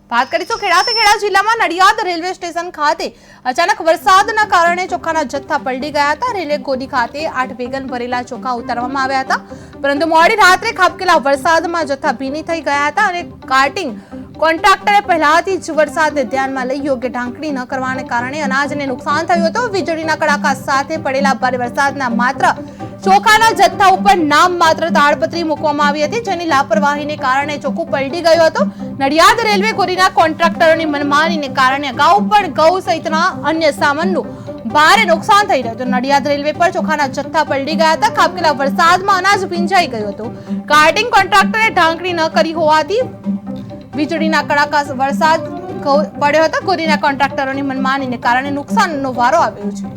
વાત કરીશું ખેડા જિલ્લામાં નડિયાદ રેલવે સ્ટેશન ખાતે અચાનક વરસાદના કારણે ચોખાના જથ્થા પલળી ગયા હતા। રેલવે ગોદી ખાતે 8 વેગન ભરેલા ચોખા ઉતારવામાં આવ્યા હતા, પરંતુ મોડી રાત્રે ખાબકેલા વરસાદમાં જથ્થા ભીની થઈ ગયા હતા અને કાર્ટિંગ કોન્ટ્રાક્ટરે પહેલાથી જ વરસાદને ધ્યાનમાં લઈ યોગ્ય ઢાંકણી ન કરવાને કારણે અનાજને નુકસાન થયું હતું। વીજળીના કડાકા સાથે પડેલા ભારે વરસાદના માત્ર ચોખાના જથ્થા ઉપર નામ માત્ર તાડપત્રી મૂકવામાં આવી હતી, જેની લાપરવાહીને કારણે ચોખ્ખું પલટી ગયું હતું। નડિયાદ રેલવે ગોરીના કોન્ટ્રાક્ટરોની મનમાનીને કારણે અગાઉ પણ ઘઉં સહિતના અન્ય સામાનનું ભારે નુકસાન થઈ રહ્યું હતું। નડિયાદ રેલવે પર ચોખાના જથ્થા પલટી ગયા હતા। ખાબકેલા વરસાદમાં અનાજ ભીંજાઈ ગયું હતું। કાર્ટિંગ કોન્ટ્રાક્ટરે ઢાંકણી ન કરી હોવાથી વીજળીના કડાકા વરસાદ પડ્યો હતો। ગોરીના કોન્ટ્રાક્ટરોની મનમાનીને કારણે નુકસાનનો વારો આવ્યો છે।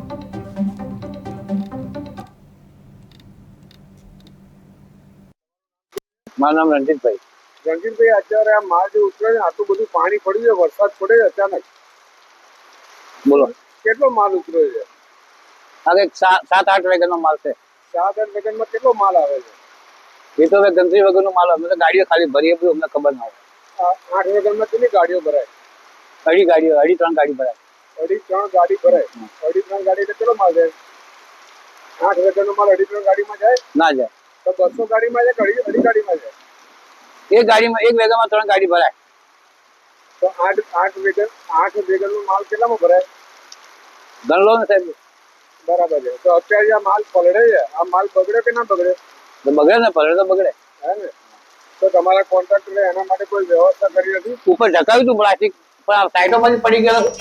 મારું નામ રણજીતભાઈ। રણજીતભાઈ, અત્યારે આ માલ જે ઉતરે છે, આટલું બધું પાણી પડ્યું છે, વરસાદ પડે અચાનક, બોલો, કેટલો માલ ઉતર્યો છે? આ કંઈક 7-8 વેગનનો માલ છે। 7-8 વેગનમાં કેટલો માલ આવે છે? એ તો હવે ગંદકી વગરનો માલ, અમે તો ગાડીઓ ખાલી ભરીએ, બધું અમને ખબર ના હોય। 8 વેગનમાં કેટલી ગાડીઓ ભરાય? 3 ગાડી ભરાય। 3 ગાડી ભરાય? 3 ગાડી એટલે કેટલો માલ જાય? 8 વેગનનો માલ 3 ગાડીમાં જાય? ના જાય તો 200 ગાડીમાં જાય કે 2.5 ગાડીમાં જાય? એક વેગનમાં 3 ગાડી ભરાય। તો 8 વેગનનો માલ કેટલામાં ભરાય? ગણ લો ને સાહેબ। બરાબર છે। તો અત્યારે આ માલ પલળે છે, આ માલ બગડે કે ના બગડે? તો બગડે ને, પલળે તો બગડે। હે ને? તો તમારા કોન્ટ્રાક્ટરે એના માટે કોઈ વ્યવસ્થા કરી નથી? ઉપર ઢકાવ્યું હતું પ્લાસ્ટિક, પણ આ સાઈડોમાંથી પડી ગયેલો